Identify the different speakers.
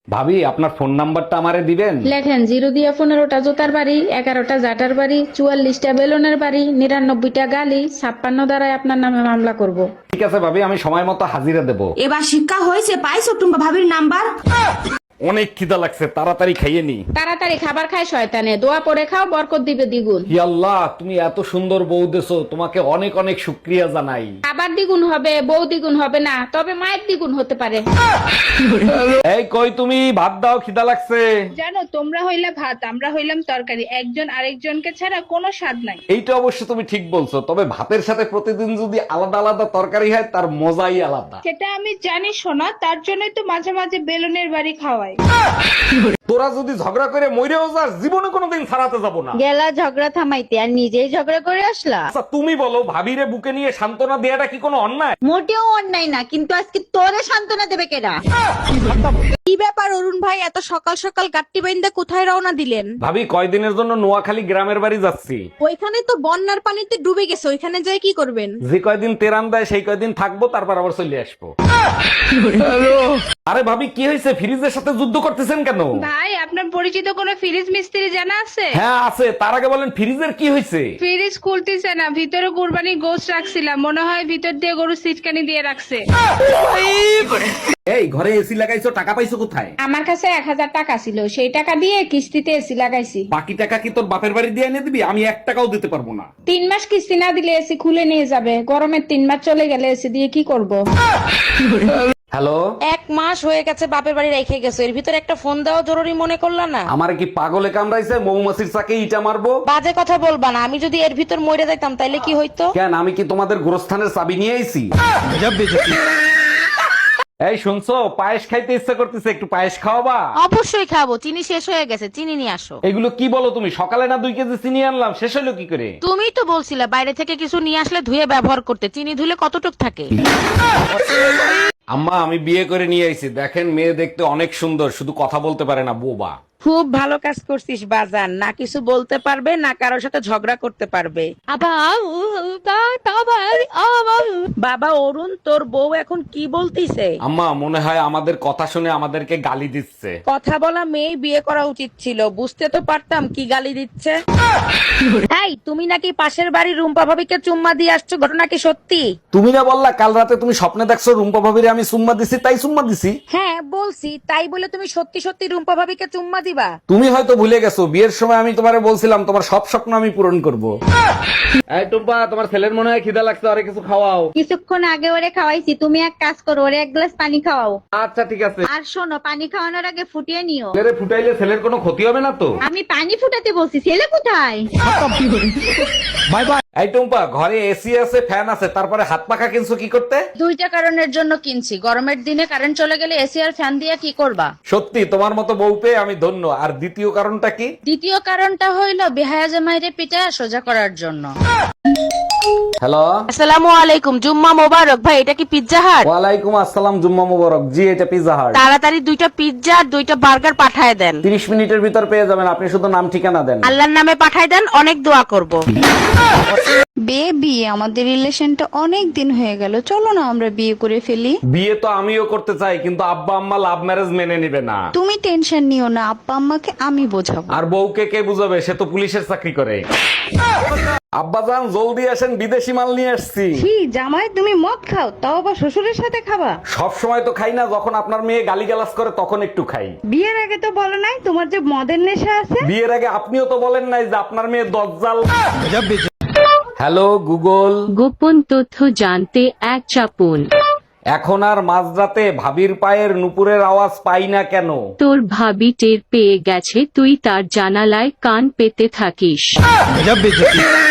Speaker 1: ভাবি আপনার ফোন নাম্বারটা আমারে দিবেন?
Speaker 2: লেখেন 0 দিয়ে 15টা জোতার বাড়ি, 11টা জাটার বাড়ি, 44টা বেলুনের বাড়ি, 99টা গালি, 56 দ্বারাই আপনার নামে মামলা করব।
Speaker 1: ঠিক আছে ভাবি, আমি সময় মতো হাজিরা দেব।
Speaker 3: এবার শিক্ষা হয়েছে, পাইছো টুম্পা ভাবির নাম্বার?
Speaker 1: অনেক খিদা লাগছে, তাড়াতাড়ি খাইয়ে নি।
Speaker 2: তাড়াতাড়ি খাবার খায় শয়তানে, দোয়া পরে খাও, বরকত দিবে দ্বিগুণ।
Speaker 1: হি আল্লাহ, তুমি এত সুন্দর বউ দেছো, তোমাকে অনেক অনেক শুকরিয়া জানাই।
Speaker 2: খাবার দ্বিগুণ হবে, বউ দ্বিগুণ হবে না, তবে মায়ের দ্বিগুণ হতে পারে।
Speaker 1: এই কই তুমি, ভাত দাও, খিদা লাগছে।
Speaker 4: জানো, তোমরা হইলে ভাত, আমরা হইলাম তরকারি, একজন আরেকজনকে ছাড়া কোনো স্বাদ নাই।
Speaker 1: এইটা অবশ্য তুমি ঠিক বলছো, তবে ভাতের সাথে প্রতিদিন যদি আলাদা আলাদা তরকারি হয় তার মজাই আলাদা।
Speaker 4: সেটা আমি জানি শোনা, তার জন্যই তো মাঝে মাঝে বেলুনের বাড়ি খাওয়াই।
Speaker 1: তোরা যদি ঝগড়া করে মইরেও যাস, জীবনে কোনোদিন ছাড়াতে যাব না।
Speaker 5: গেলা ঝগড়া থামাইতে আর নিজেই ঝগড়া করে আসলা।
Speaker 1: আচ্ছা তুমি বলো, ভাবিরে বুকে নিয়ে সান্ত্বনা দেয়াটা কি কোনো অন্যায়?
Speaker 5: মোটেও অন্যায় না, কিন্তু আজকে তোরে সান্ত্বনা দেবে কেডা?
Speaker 3: কি ব্যাপার অরুণ ভাই, এত সকাল সকাল গাট্টি বাইন্দা কোথায় রওনা দিলেন?
Speaker 1: ভাবি কয়দিনের জন্য নোয়াখালী গ্রামের বাড়ি যাচ্ছি।
Speaker 3: ওইখানে তো বন্যার পানিতে ডুবে গেছে, ওইখানে যাই কি করবেন?
Speaker 1: যে কয়দিন তেরান দেয় সেই কয়দিন থাকবো, তারপর আবার চলে আসবো। আরে ভাবি কি হয়েছে, ফ্রিজের সাথে যুদ্ধ করতেছেন কেন?
Speaker 4: ভাই, আপনার পরিচিত কোনো ফ্রিজ মিস্ত্রি জানা আছে?
Speaker 1: হ্যাঁ আছে, তার আগে বলেন ফ্রিজের কি হয়েছে?
Speaker 4: ফ্রিজ খুলতেছে না, ভিতরে কুরবানি গোশত রাখছিলাম, মনে হয় ভিতর দিয়ে গরু সিটকানি দিয়ে রাখছে।
Speaker 1: এই ঘরে এসি লাগাইছো, টাকা পাইছো কোথায়?
Speaker 2: আমার কাছে 1000 টাকা ছিল, সেই টাকা দিয়ে কিস্তিতে এসি লাগাইছি।
Speaker 1: বাকি টাকা কি তোর বাপের বাড়ি দিয়ে এনে দিবি? আমি 1 টাকাও দিতে পারবো না।
Speaker 2: 3 মাস কিস্তি না দিলে এসি খুলে নিয়ে যাবে, গরমের 3 মাস চলে গেলে এসি দিয়ে কি করব?
Speaker 1: হ্যালো,
Speaker 3: 1 মাস হয়ে গেছে বাপের বাড়ি রেখে গেছো, এর ভিতরে একটা ফোন দেওয়া জরুরি মনে করলা না?
Speaker 1: আমার কি পাগলে কামড়াইছে? মৌমাছির চাকে ইটা মারবো?
Speaker 3: বাজে কথা বলবা না, আমি যদি এর ভিতর মরে যাইতাম তাইলে কি হইতো?
Speaker 1: কেন, আমি কি তোমাদের গোরস্থানের চাবি নিয়ে আইছি? এই শুনছো, পায়েস খাইতে ইচ্ছা করতেছে, একটু পায়েস খাওয়াবা?
Speaker 3: অবশ্যই খাবো, চিনি শেষ হয়ে গেছে, চিনি নিয়ে আসো।
Speaker 1: এগুলো কি বলো তুমি? সকালে না 2 কেজি চিনি আনলাম, শেষ হলো কি করে?
Speaker 3: তুমিই তো বলছিলে বাইরে থেকে কিছু নিয়ে আসলে ধুয়ে ব্যবহার করতে, চিনি ধুলে কতটুক থাকে?
Speaker 1: আম্মা, আমি বিয়ে করে নিয়ে আইছি, দেখেন মেয়ে দেখতে অনেক সুন্দর, শুধু কথা বলতে পারে না, বোবা।
Speaker 6: খুব ভালো কাজ করছিস বাজান, না কিছু বলতে পারবে না কারোর সাথে ঝগড়া করতে পারবে। বাবা অরুণ, তোর বউ এখন কি বলতিছে?
Speaker 1: আম্মা, মনে হয় আমাদের কথা শুনে আমাদেরকে গালি দিচ্ছে।
Speaker 6: কথা বলা মেয়ে বিয়ে করা উচিত ছিল, বুঝতে তো পারতাম কি গালি দিচ্ছে। এই, তুমি নাকি পাশের বাড়ির রুম্পা ভাবিকে চুম্মা দিয়ে আসছো, ঘটনা কি সত্যি?
Speaker 1: তুমি না বললা কাল রাতে তুমি স্বপ্নে দেখছো রুম্পা ভাবিরে আমি চুম্মা দিছি, তাই চুম্মা দিছি।
Speaker 6: হ্যাঁ বলছি, তাই বলে তুমি সত্যি সত্যি রুম্পা ভাবিকে চুম্মা দিবা?
Speaker 1: তুমি হয়তো ভুলে গেছো, বিয়ের সময় আমি তোমারে বলছিলাম তোমার সব স্বপ্ন আমি পূরণ করব। এই টুম্পা, তোমার ছেলের মনে হয় খিদা লাগছে, আরে কিছু খাওয়াও।
Speaker 5: কিছুক্ষণ আগে ওরে খাওয়াইছি, তুমি এক কাজ করো, ওরে 1 গ্লাস পানি খাওয়াও।
Speaker 1: আচ্ছা ঠিক আছে।
Speaker 5: আর শোনো, পানি খাওয়ানোর আগে ফুটিয়ে নিও।
Speaker 1: ছেলেরে ফুটাইলে ছেলের কোনো ক্ষতি হবে না তো?
Speaker 5: আমি পানি ফুটাতে বলছি, ছেলে কোথায়?
Speaker 1: Bye bye. এই টুম্পা, ঘরে এসি আছে, ফ্যান আছে, তারপরে হাত পাখা কিনছো কি করতে?
Speaker 5: 2টা কারণের জন্য কিনছি, গরমের দিনে কারেন্ট চলে গেলে এসি আর ফ্যান দিয়ে কি করবা?
Speaker 1: সত্যি তোমার মতো বউ পেয়ে আমি ধন্য। আর দ্বিতীয় কারণটা কি?
Speaker 5: দ্বিতীয় কারণটা হইলো বেহায়া জামাইরে পিটায় সোজা করার জন্য।
Speaker 1: হ্যালো,
Speaker 3: আসসালামু আলাইকুম, জুম্মা মোবারক। ভাই এটা কি পিৎজা হাট?
Speaker 1: ওয়ালাইকুম আসসালাম, জুম্মা মুবারক। জি, এটা পিজা হাট।
Speaker 3: তাড়াতাড়ি 2টা পিৎজা আর 2টা বার্গার পাঠায় দেন।
Speaker 1: 30 মিনিটের ভিতর পেয়ে যাবেন, আপনি শুধু নাম ঠিকানা দেন।
Speaker 3: আল্লাহর নামে পাঠায় দেন, অনেক দোয়া করব।
Speaker 7: বেবি, আমাদের রিলেশনটা অনেক দিন হয়ে গেল, চলো না আমরা বিয়ে করে ফেলি।
Speaker 1: বিয়ে তো আমিও করতে চাই, কিন্তু আব্বা আম্মা লাভ ম্যারেজ মেনে নিবে না।
Speaker 7: তুমি টেনশন নিও না, আব্বা আম্মাকে আমি বোঝাবো।
Speaker 1: আর বউকে কে বুঝাবে? সে তো পুলিশের চাকরি করে। আব্বা জান, জলদি আসেন, বিদেশি মাল নিয়ে আসছি।
Speaker 7: কি জামাই, তুমি মদ খাও, তাও আবার শ্বশুরের সাথে খাবা?
Speaker 1: সব সময় তো খাই না, যখন আপনার মেয়ে গালিগালাজ করে তখন একটু খাই।
Speaker 7: বিয়ের আগে তো বলো নাই তোমার যে মদের নেশা আছে।
Speaker 1: বিয়ের আগে আপনিও তো বলেন নাই যে আপনার মেয়ে দজ্জাল। হ্যালো গুগল,
Speaker 8: গোপন তথ্য জানতে 1 চাপুন।
Speaker 1: এখন আর মাঝরাতে ভাবির পায়ের নুপুরের আওয়াজ পাই না কেন?
Speaker 8: তোর ভাবি টের পেয়ে গেছে তুই তার জানালায় কান পেতে থাকিস।